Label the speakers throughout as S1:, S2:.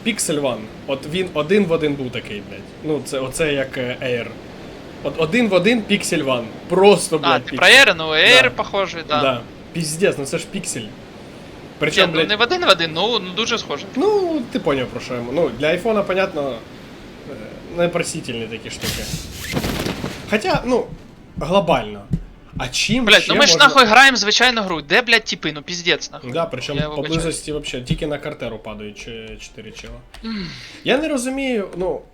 S1: Pixel One. От він один в один був такий, блядь. Ну, оце як Air. От один в один Pixel One. Просто, блядь,
S2: ти про Air? Ну, Air
S1: Да.
S2: похожий, да.
S1: Да. Піздець, ну це ж піксель.
S2: Ні,
S1: Причому,
S2: ну
S1: блядь,
S2: не в один, ну дуже схожий.
S1: ну, ти поняв про що йому. Ну, для айфона, понятно, непросительні такі штуки. Хоча, ну, глобально. А чим
S2: Блядь,
S1: ще
S2: ну ми ж
S1: можна...
S2: нахуй граємо звичайну гру. Де, блядь, типи, ну піздець нахуй.
S1: Да,
S2: Я
S1: причому
S2: вибачаюсь.
S1: поблизості вообще тільки на картеру падають 4 чела. Я не розумію, ну.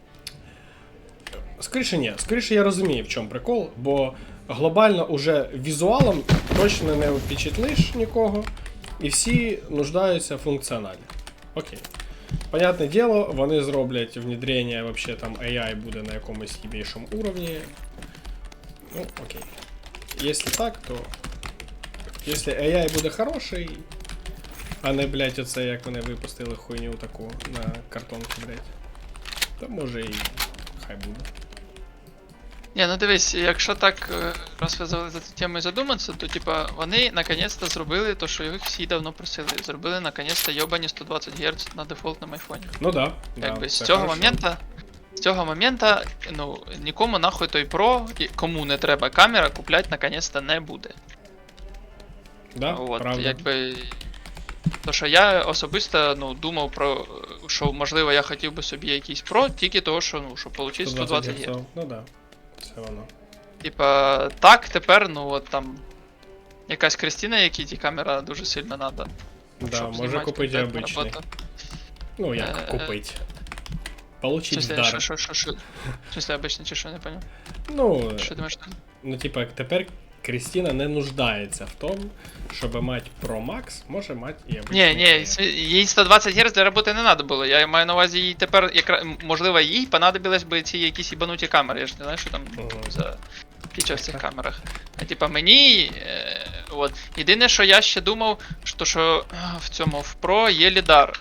S1: Скоріше я розумію, в чому прикол, бо глобально уже візуалом точно не впечатлиш нікого, і всі нуждаються в функціоналі. Окей. Понятне діло, вони зроблять внедрення, вообще там AI буде на якомусь єбейшому уровні. Ну, окей. Якщо так, то. Якщо AI буде хороший, а не, блядь, оце як вони випустили хуйню таку на картонці, блядь, то може і хай буде.
S2: Ні, ну дивись, якщо так, раз ви за цю тему задуматися, то типа вони наконець-то зробили те, що їх всі давно просили. Зробили наконець-то йобані 120 Гц на дефолтному айфоні.
S1: Ну да.
S2: Якби
S1: да,
S2: з цього момента, ну, нікому нахуй той Pro, кому не треба камера, купляти наконець-то не буде.
S1: Да,
S2: От,
S1: правда.
S2: якби. То що я особисто ну, думав про, що можливо я хотів би собі якийсь Pro, тільки того, що ну, щоб отримати 120 Гц.
S1: Ну да, це воно.
S2: Типа, так, тепер, ну от там. Якась Кристина, якій ті камера дуже сильно надо.
S1: Да,
S2: щоб
S1: може
S2: знімати
S1: купити і
S2: контент,
S1: обичний.
S2: роботу.
S1: Ну як купити. Получить в дар.
S2: Що? В смысле обичний чи що, не понял?
S1: Ну,
S2: Що думаєш?
S1: ну типа, тепер Крістіна не нуждається в тому, щоб мати Pro Max, може мати і обичний.
S2: Ні, їй 120 Гц для роботи не треба було. Я маю на увазі, їй тепер, можливо, їй понадобилось би ці якісь ібануті камери. Я ж не знаю, що там за фіча в цих камерах. А типа мені, от. Єдине, що я ще думав, що в цьому в Pro є лідар.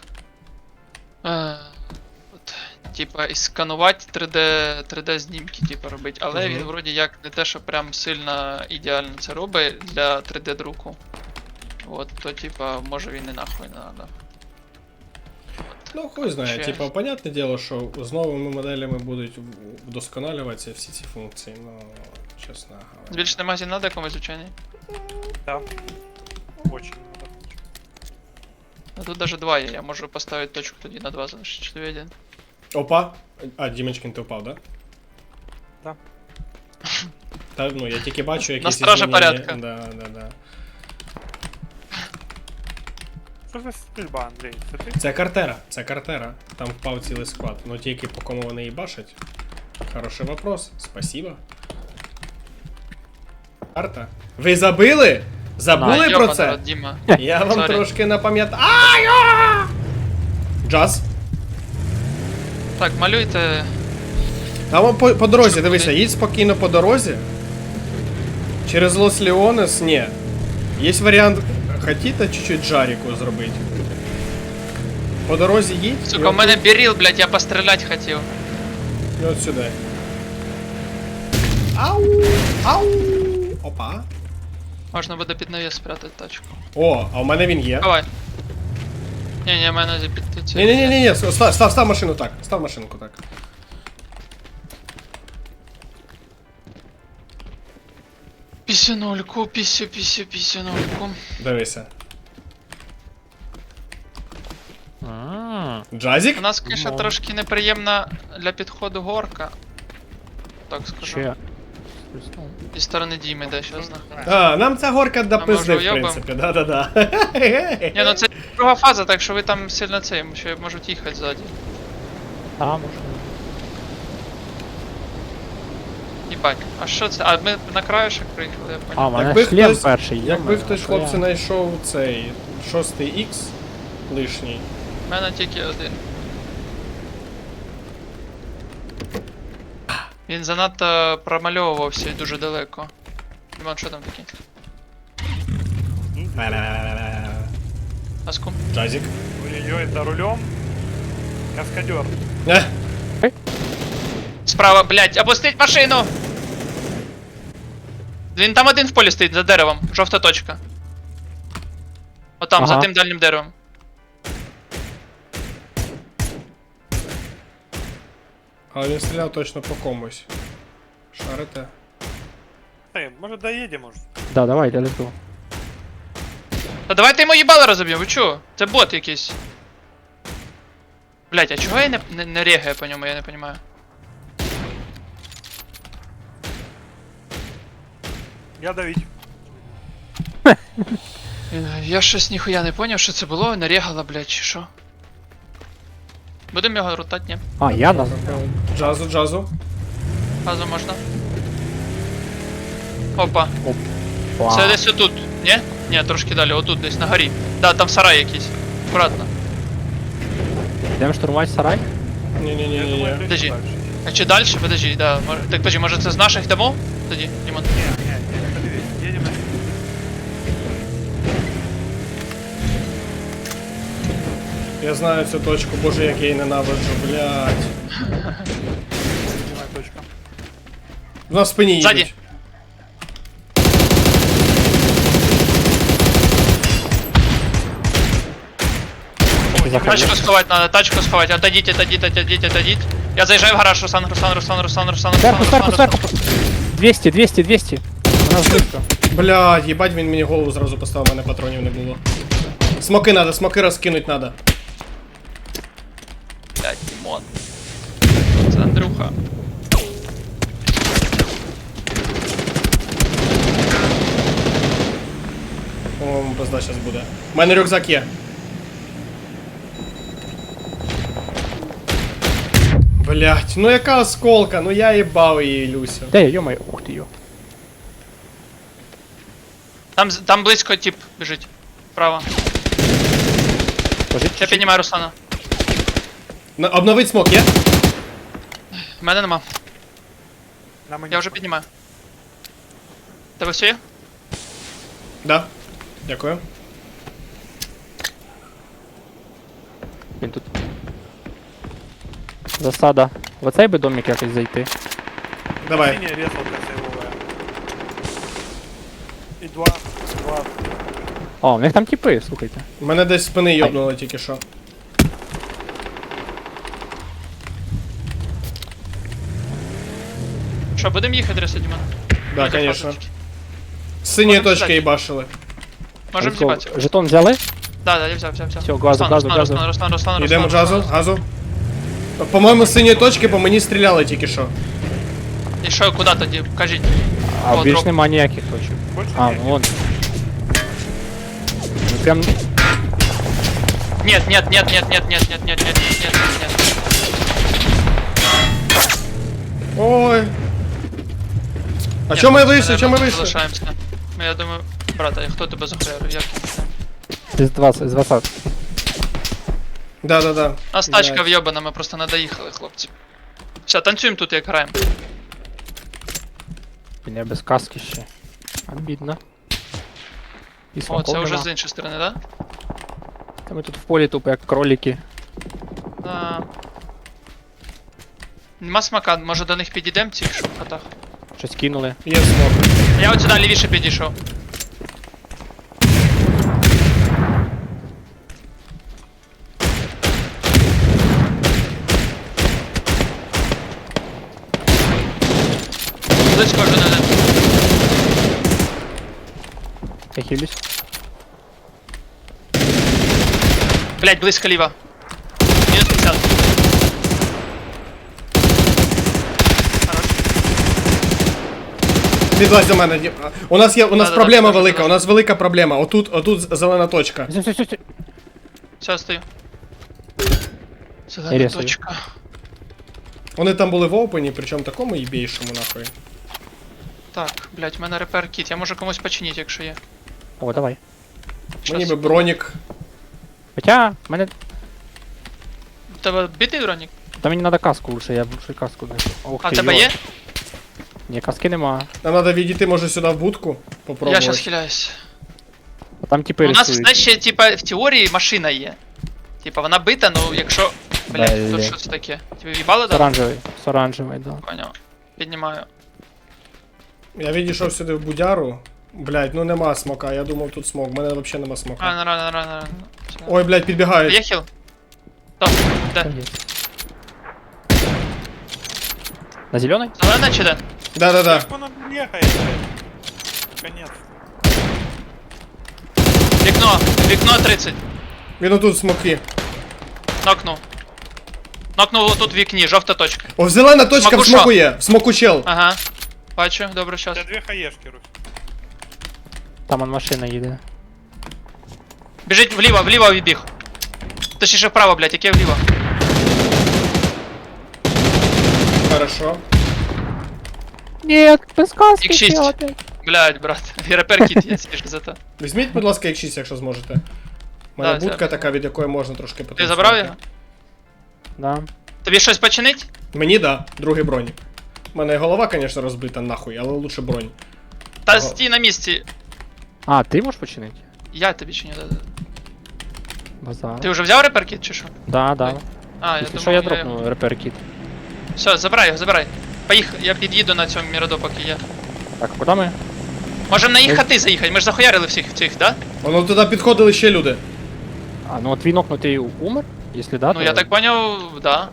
S2: Типа, і сканувати 3D знімки, типа, робити. Але він вроді як не те, що прям сильно ідеально це робить для 3D друку. От, то типа, може він і нахуй не надо.
S1: Ну, хуй знає,
S2: Ще.
S1: типа, понятне діло, що з новими моделями будуть вдосконалюватися всі ці функції, ну, чесно говоря.
S2: Збільшений магазин надо комусь, звичайний?
S3: Да. Очень надо.
S2: Ну тут даже 2 є, я можу поставити точку тоді на 2 залишити, чи тобі 1.
S1: Опа! А, Дімочкин, ти впав, да?
S3: Да.
S1: Та, ну, я тільки бачу якісь
S2: На стражі
S1: змінення.
S2: порядка.
S1: Да.
S3: Что за стрельба, Андрей? Это ты?
S1: Це картера. Там впав цілий склад. Ну тільки по кому вони і бачать. Хороший вопрос. Спасибо. Карта. Ви забили? Забули про це?
S2: Діма.
S1: Я вам
S2: Sorry.
S1: трошки напам'ятаю. Ай! Джаз.
S2: Так, малюйте.
S1: Там по дорозі,
S2: Що,
S1: дивися,
S2: куди?
S1: їдь спокійно по дорозі. Через Лос Леонес, ні. Є варіант, хотіте чуть-чуть жаріку зробити. По дорозі їдь.
S2: Сука, у мене біріл, блядь, я постріляти хотів.
S1: І от сюди. Ау! Ау! Опа.
S2: Можна буде під навіс спрятати тачку.
S1: О, а у мене він є.
S2: Давай. Ні, мене під це.
S1: Ні, став машину так. Став машинку так.
S2: Пісюнольку, пісюнольку.
S1: Дивися.
S4: А,
S1: Джазік?
S2: У нас, конечно,
S4: Ну.
S2: трошки неприємна для підходу горка. Так скажу.
S4: ще.
S2: Зі сторони Діми, де щас нахуй.
S1: А, нам ця горка до
S2: А
S1: пизди,
S2: може
S1: в
S2: уйобам?
S1: принципі, да.
S2: Ні, ну це друга фаза, так що ви там сильно цей, що можуть їхати ззаді.
S4: А, може.
S2: Їбать, а що це? А ми на краєшок приїхали, я
S4: А,
S2: понял.
S4: у мене
S1: Якби
S4: шлем
S1: хтось-
S4: перший.
S1: Якби
S4: є,
S1: хтось, хлопці, знайшов цей 6Х лишній.
S2: У мене тільки один. Він занадто промальовувався і дуже далеко. Дімон, що там таке? Аскум?
S1: Джазік.
S3: Ой-ой-ой, за рулем. Каскадер.
S2: Справа, блядь, опустить машину! Він там один в полі стоїть, за деревом, жовта точка. Отам, за
S4: Ага.
S2: тим дальнім деревом.
S1: Але він стріляв точно по комусь. Шарите?
S3: Эй, может доедем уже?
S4: Да, давайте, let's go.
S2: Та давайте йому їбало розоб'ємо, ви чо? Це бот якийсь. Блять, а чого я не регаю по ньому, я не понимаю.
S3: Я давить.
S2: Я щось ніхуя не поняв, що це було, не регало, блять, чи що. Будемо його рутати, ні?
S4: А, я нас.
S1: Джазу, джазу.
S2: Газу можна. Опа.
S4: Вау.
S2: Це десь отут, ні? Ні, трошки далі, отут десь на горі. Да, там сарай якийсь. Аккуратно.
S4: Йдемо штурмувати сарай?
S3: Я думаю,
S1: Ні-ні-ні.
S3: это
S2: Подожди.
S3: дальше.
S2: А чи далі? Подожди, да. Так, подожди, може це з наших домов? Тоді, Дімон.
S3: Не, подивись, едем на...
S1: Я знаю цю точку, боже, як я її ненавиджу, блядь.
S3: Снимай точка.
S1: В нас в спині їдуть.
S2: Ззаді. Тачку сховати надо, тачку сховати. Отойдіть, отойдіть, отойдіть, отойдіть. Я заїжджаю в гараж, Руслан.
S4: Сверху, сверху, сверху. 200, 200, 200. У нас близько.
S1: Блядь, їбать, він мені голову зразу поставив, у мене патронів не було. Смоки розкинуть надо.
S2: Блять, Дімон. Це Андрюха.
S1: По-моєму, пизда щас буде. У мене рюкзак є. Блять, ну яка осколка, ну я їбав її, Люся.
S4: Де я, йомаю, ух ти йо.
S2: Там близько тип біжить. Право.
S4: Пожить
S2: Я
S4: чуть-чуть.
S2: піднімаю Руслана.
S1: Обновить смок є?
S2: В мене нема.
S3: На мені.
S2: Я вже піднімаю. Тебе все є?
S1: Да. Дякую.
S4: Він тут. Засада. В оцей би домик якось зайти.
S1: Давай.
S3: Синяя резалка сейвовая. И два.
S4: О, у них там тіпи, слухайте.
S1: Мене десь з спини йобнуло тільки що.
S2: Що, будемо їхати, Реса, Дімон?
S1: Да,
S2: Ну,
S1: конечно.
S2: так,
S1: З синьої
S2: Можемо
S1: точки
S2: сюди.
S1: їбашили.
S2: Можемо
S4: Let's go.
S2: з'їбатися.
S4: Жетон взяли?
S2: Да, я взяв.
S4: Всё, газу, газу, газу.
S2: Руслан.
S1: Йдемо джазу, газу. По-моєму, з синьої точки по мені стріляли тільки що.
S2: І що, куди тоді? Кажіть.
S4: А
S2: О,
S4: більш
S2: дроп.
S4: нема ніяких точок.
S3: Больше
S4: А,
S3: нет.
S4: вон. Ну прям.
S2: Нет.
S1: Ой. А
S2: Ні,
S1: чому ми
S2: ми,
S1: вийшли? Чому ми вийшли?
S2: Залишаємося. Ну, я думаю, брата, хто тебе захуярив? Як ти
S4: З 20, з 20.
S1: Да.
S2: У нас тачка
S1: Блядь.
S2: вйобана, ми просто не доїхали, хлопці. Все, танцюємо тут, як граємо.
S4: Мене без каски ще. Обідно. І
S2: О,
S4: смаков
S2: це вже
S4: нема.
S2: з іншої сторони, да?
S4: Та ми тут в полі тупо як кролики.
S2: Да. Нема смака, може до них підійдемо цих, що в хатах.
S4: Щось кинули.
S1: Є смок.
S2: Я от сюди лівіше підійшов. Близько вже не.
S4: Я хилюсь.
S2: Блять, близько ліва. Мінус 50. Хорош.
S1: Підлазь до мене. У нас
S2: Да-да-да,
S1: проблема
S2: скажи,
S1: велика,
S2: да.
S1: у нас велика проблема. Отут зелена точка.
S4: Все.
S2: Все, стою. Зелена
S4: Ресаю.
S2: точка.
S1: Вони там були в опені, причому такому їбейшому нахуй.
S2: Так, блять, в мене репер кіт. Я можу комусь починити, якщо є.
S4: О, давай.
S1: Мені
S2: Щас.
S1: би бронік.
S4: Хоча, мене.
S2: У тебе битий бронік?
S4: Та мені треба каску лучше, я лучше каску знайду. Ох
S2: А в
S4: ти,
S2: тебе
S4: йо.
S2: є?
S4: Ні, каски нема.
S1: Нам треба відійти, може, сюди в будку.
S2: Я
S1: Попробувати.
S2: щас хиляюсь.
S4: А там типи
S2: У нас
S4: рисують.
S2: знаєш, ще, типа, в теорії машина є. Типа, вона бита, ну якщо. Блять, тут
S4: Блядь.
S2: що це таке? Тебе в'їбали,
S4: З
S2: да?
S4: оранжевий. З оранжевий, да.
S2: Поняв. Піднімаю.
S1: Я відійшов сюди в будяру. Блять, ну нема смока, я думав тут смок, в мене взагалі нема смока.
S2: Рано.
S1: Ой, блять, підбігають.
S2: Є хіл? Так, де?
S4: Та є. На зеленой?
S2: Зелена чи де?
S1: Да-да-да.
S3: Как он ехает, блядь? Конец.
S2: Вікно 30.
S1: Він отут в смоки.
S2: Нокнув. Нокнув отут в вікні, жовта точка.
S1: О, зелена точка
S2: Смоку
S1: в смоку є. В смоку чел.
S2: Ага. Бачу, добре, щас.
S3: У тебя 2 хаешки, Русь.
S4: Там он машина їде.
S2: Біжить вліво відбіг. Точніше вправо, блядь, яке вліво.
S1: Хорошо.
S4: Нет, без каски
S2: Їх 6.
S4: чел опять.
S2: Блядь, брат. Репер кіт є, свіж за то.
S1: Візьміть, будь ласка, X6, якщо зможете. У мене
S2: Да,
S1: будка
S2: взяв.
S1: така, від якої можна трошки
S2: Ти
S1: потанцювати.
S2: забрав його?
S4: Да.
S2: Тобі щось починить?
S1: Мені да, другий бронік. У мене голова, звісно, розбита нахуй, але лучше бронь.
S2: Та
S1: Ага.
S2: стій на місці.
S4: А, ти можеш починити?
S2: Я тобі чиню, да.
S4: Базар.
S2: Ти вже взяв репер кіт чи що?
S4: Да, да.
S2: А, я
S4: Якщо
S2: думав,
S4: що, я
S2: його-
S4: дропну репер кіт.
S2: Все, забирай його, забирай. Поїхав, я під'їду на цьому міроду, поки є.
S4: Так, куди ми?
S2: Можемо на їх хати заїхати, ми ж захуярили всіх цих, да?
S1: Воно туди підходили ще люди.
S4: А, ну от твій нокнутий умер? Якщо да,
S2: Ну
S4: то...
S2: я так поняв, да.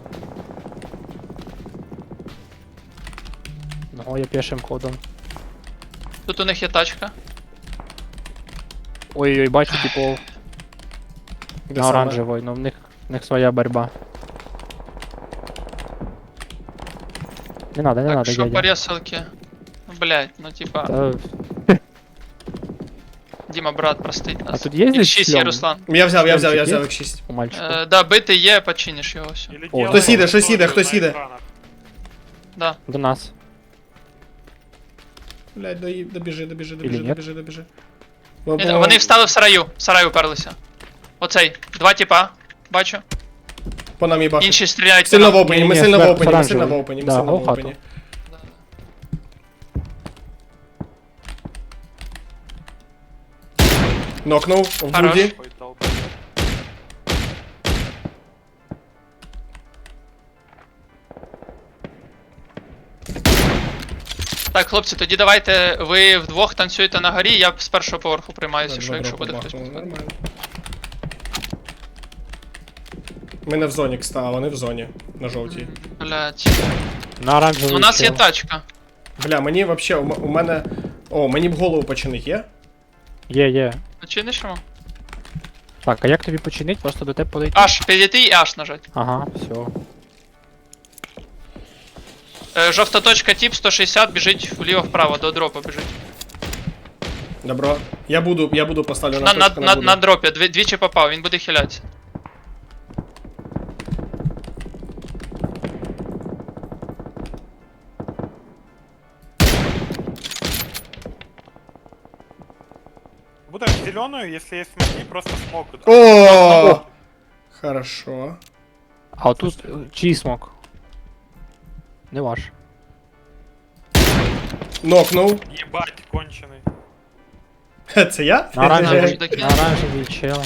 S4: Ну, я пішим ходом.
S2: Тут у них є тачка.
S4: Ой-ой, бачу, типу,
S1: Де
S4: на
S1: саме?
S4: оранжевой, но в них своя борьба. Не надо, не
S2: Так,
S4: надо,
S2: що по
S4: дядя.
S2: ресалки? Ну, блядь, ну типа,
S4: Та,
S2: Діма, брат, простить
S4: А
S2: нас.
S4: тут є здесь
S2: X6 є,
S4: шлем
S2: Руслан.
S1: Я взяв
S4: Шлемчик є?
S1: X6.
S4: у мальчика?
S2: Да, бити є, починиш його все.
S3: Или
S4: О,
S3: делай
S1: Хтось їде,
S3: аудиторию
S1: хтось їде,
S3: на
S1: хтось їде.
S3: экранах.
S2: Да.
S4: До нас.
S1: Блядь, добіжи.
S4: Или ні?
S2: Вони встали в сараю уперлися. Оцей, 2 типа, бачу.
S1: По нам їбашить.
S2: Інші стріляють.
S1: Сильно в
S2: по нам.
S1: опені, ми
S4: Ні,
S1: сильно в
S4: зверху
S1: опені, ми
S4: оранжевий.
S1: сильно в опені, ми
S4: Да,
S1: сильно в
S4: в хату.
S1: опені. Нокнув в
S2: Хорош.
S1: буді.
S3: Ой, долбоёб.
S2: Так, хлопці, тоді давайте ви вдвох танцюєте на горі, я з першого поверху приймаюся, що якщо буде хтось.
S1: Нормально. Ми не в зоні, кста, а вони в зоні. На жовтій.
S2: Блять.
S4: На оранжевий
S2: Ну, у нас є
S1: ну,
S4: чел.
S2: тачка.
S1: Бля, мені вообще, у мене... О, мені б голову починить, є?
S4: Є.
S2: Починиш йому?
S4: Так, а як тобі починить? Просто до тебе подойти?
S2: Аж, підійти і аж нажать.
S4: Ага, все.
S2: Жовта точка, тип 160, біжить вліво-вправо, до дропа біжить.
S1: Добро. Я буду поставлю
S2: На,
S1: точку,
S2: на
S1: буду.
S2: дропі, двічі попав, він буде хилятися.
S3: Буду зеленую, если есть смоки, просто смог.
S1: О! Хорошо.
S4: А отут чий смок? Не ваш.
S1: Нокнув.
S3: Ебать, конченый.
S1: Хе, це я?
S4: На оранжевий,
S2: може докинути.
S4: на оранжевий чел.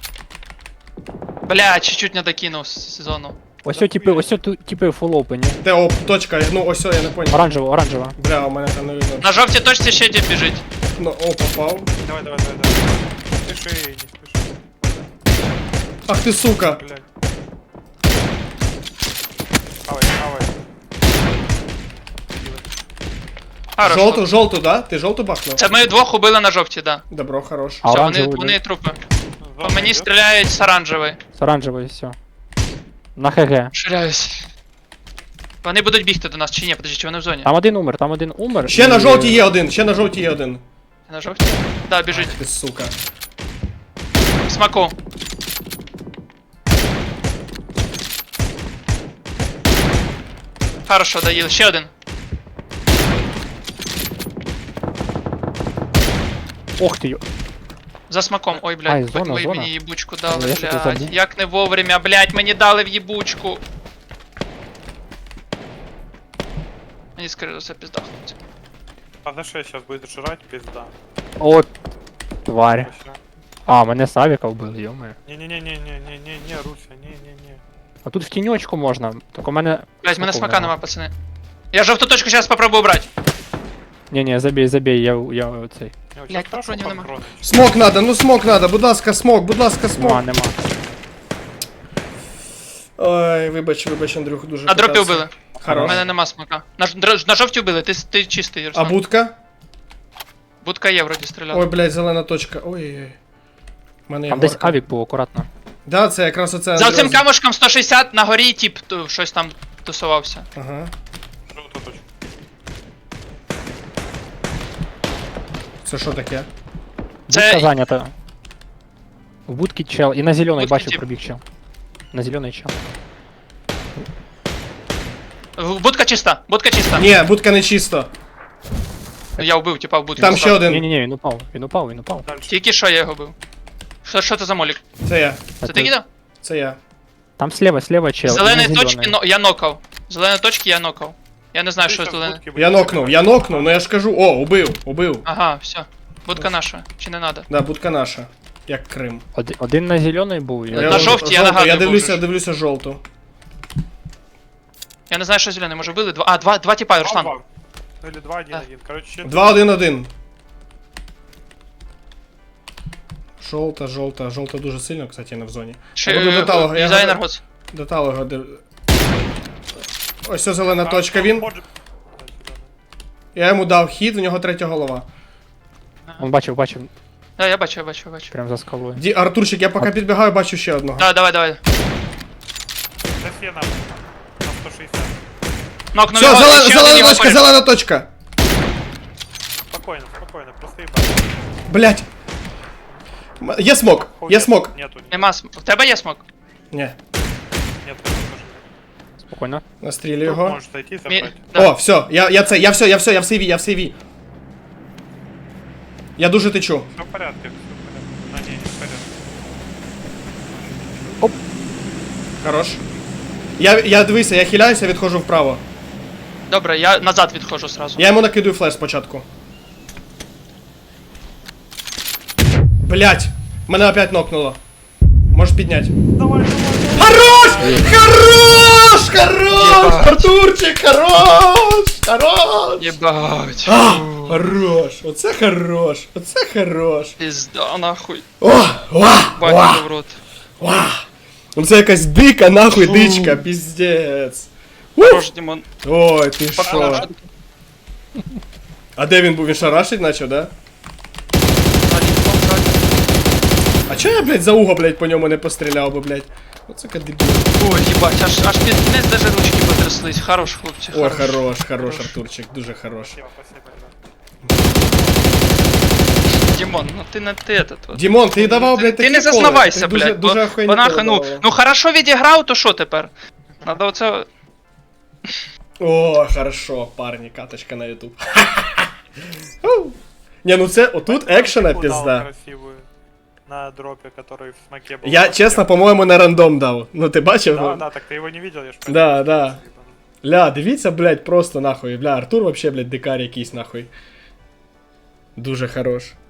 S2: Бля, чуть-чуть не докинув з сезону.
S4: Ось типи в фул опені.
S1: Де оп, точка, ну ось я не понял.
S4: Оранжева.
S1: Бля, у мене там не видно.
S2: На жовтій точці ще тип біжить.
S1: Ну, о, попав.
S3: Давай. Не спеши, не спеши.
S1: Ах ти сука.
S3: Блядь. Хавай.
S2: Хорошо.
S1: Жовту, да? Ти жовту бахнув?
S2: Це ми двох убили на жовтій, да.
S1: Добро, хорош.
S4: А
S2: Все,
S4: оранжевий,
S2: вони
S4: да?
S2: трупи. По
S3: Зона
S2: мені
S3: идет.
S2: стріляють з оранжевої.
S4: З оранжевої, все. На ХГ.
S2: Ширяюсь. Вони будуть бігти до нас чи ні? Подожди, чи вони в зоні?
S4: Там один умер.
S1: Ще на
S4: і-
S1: жовтій є один, ще на жовтій є один.
S2: На жовтій? Да, біжить.
S1: Ти сука.
S2: Смаку. Хорошо, доїли. Ще один.
S4: Ох ти, йо.
S2: За смаком. Ой,
S4: Ай,
S2: блядь,
S4: зона,
S2: ви
S4: зона.
S2: мені їбучку дали,
S4: Я що-то
S2: блядь.
S4: забув.
S2: Як не вовремя, блядь, мені дали в їбучку. Мені скоріше за все пізда, хлопці.
S3: А за 6 сейчас будет жрать, пизда.
S4: От тварь.
S3: Вообще.
S4: А, мене Савіка вбили, йоме.
S3: Не, Руся, не.
S4: А тут в тіньочку можна. Так у мене.
S2: Блядь, в мене
S4: смаку
S2: смака нема, пацани. Я жовту точку зараз попробую брати.
S4: Ні, забей, я цей.
S3: Я вот
S2: Блядь,
S3: щас прошу
S2: патронів нема.
S3: патроны.
S1: Смок надо, ну смок надо, будь ласка, смок.
S4: Нема.
S1: Ой, вибач, Андрюх, дуже
S2: На дропі
S1: питався.
S2: вбили. У
S1: Хорош.
S2: мене нема смока. На жовті вбили, ти чистий,
S1: А
S2: Руслан.
S1: будка?
S2: Будка є вроді стріляла.
S1: Ой, блядь, зелена точка. Ой-ой-ой. У мене є
S4: Там десь
S1: горка.
S4: авік був, акуратно.
S1: Да, це якраз оце.
S2: За цим
S1: Андрій-
S2: камушком 160 на горі тип щось там тусувався.
S1: Ага.
S3: Желтая точка.
S1: Це що таке?
S4: Будка
S2: Це
S4: зайнята. В будці чел. І на зелений
S2: Будки
S4: бачив
S2: тип.
S4: пробіг чел. На зелений чел.
S2: будка чиста, будка чиста.
S1: Ні, будка не чисто.
S2: Я вбив, типа в будку.
S1: Там ще один.
S4: Ні-ні-ні, він упав, він упав, він упав.
S3: Дальше.
S2: Тільки що я його бив. Що це за молік?
S1: Це я.
S2: Це ти кидав?
S1: Це я.
S4: Там слева чел. і на
S2: Зелені
S4: зелений.
S2: точки я нокав. Зелені точки я нокав. Я не знаю,
S3: Ты
S2: що
S3: щас
S2: зелене.
S3: будки
S1: Я
S3: будешь
S1: нокнув,
S3: собирать.
S1: ну я ж кажу, о, убив.
S2: Ага, все. Будка наша, чи не надо?
S1: Да, будка наша. Як Крим.
S4: Один на зелений був. і-
S2: На жовтій, я нагадую,
S1: Я
S2: був же ж.
S1: дивлюся жовту.
S2: Я не знаю, що зелений, може били? Два тіпа, Руслан.
S3: 2-2. Ну или 2-1-1. Короче,
S1: 2-1-1. Жовта дуже сильно, кстати, не в зоні.
S2: Чи,
S1: Я буду до талого, я
S2: дизайнер
S1: гадаю.
S2: гоц.
S1: До талого Ось це зелена точка, він. Я йому дав хід, у нього третя голова.
S4: Он бачив,
S2: Да, я бачу.
S4: прям за скалою.
S1: Артурчик, я поки підбігаю, бачу ще одного.
S2: Да, давай.
S3: Сейчас я на 160.
S2: Нокнув
S1: Все,
S2: його, і ще один
S1: зелена
S2: його
S1: точка,
S2: поряд.
S1: зелена точка.
S3: Спокойно, просто ебать.
S1: Блять. Є смок, є смок.
S3: Нету.
S2: Нема в тебе є смок?
S1: Ні,
S3: Нет, тоже нет.
S4: Спокійно.
S1: настрілю
S3: Тут
S1: його.
S3: можешь зайти и
S2: Мі...
S3: забрать.
S2: Да.
S1: О, все, я в сейві. Я дуже течу.
S3: Все в порядке, все в порядке. А, не в порядке.
S1: Хорош. Я дивися, я хиляюся, відходжу вправо.
S2: Добре, я назад відходжу сразу.
S1: Я йому накидую флеш спочатку. Блять! Мене опять нокнуло. Можеш підняти.
S3: Давай.
S1: Хорош! Хорош! Артурчик, хорош!
S2: Єбать.
S1: Хорош! Оце хорош!
S2: Пізда, нахуй.
S1: Бать
S2: Бать в рот.
S1: Ну це якась дика, нахуй, дичка, піздець.
S2: Хорош, Дімон.
S1: Ой, ти що?
S2: Хорош.
S1: А де він був? Він шарашить наче, да? А чого я, блядь, за уго, блядь, по ньому не постріляв би, блядь? Оце дебіл.
S2: Ой, їбать, аж під кінець даже ручки потряслись. Хорош, хлопці,
S1: Ой,
S2: хорош.
S1: хорош, Артурчик, дуже хорош.
S3: Спасибо, ребят.
S2: Дімон, ну ти не ти этот вот.
S1: Дімон, ти давав, блядь,
S2: Ти
S1: такі
S2: не
S1: коли.
S2: зазнавайся,
S1: Ти
S2: блядь.
S1: Дуже охуєнні
S2: Бо нахуй,
S1: коли давав.
S2: ну хорошо відіграв, то що тепер? Надо оце...
S1: О, хорошо, парні, каточка на ютуб. Не, ну це, отут екшена
S3: Удал
S1: пізда.
S3: красивую на дропе, который в смоке был.
S1: Я, чесно, по-моєму, на рандом дав. Ну ти бачив?
S3: Да, так ты его не видел, я ж
S1: Да, да. Ля, дивіться, блядь, просто нахуй. Бля, Артур вообще, блядь, дикар якийсь нахуй. Дуже хорош.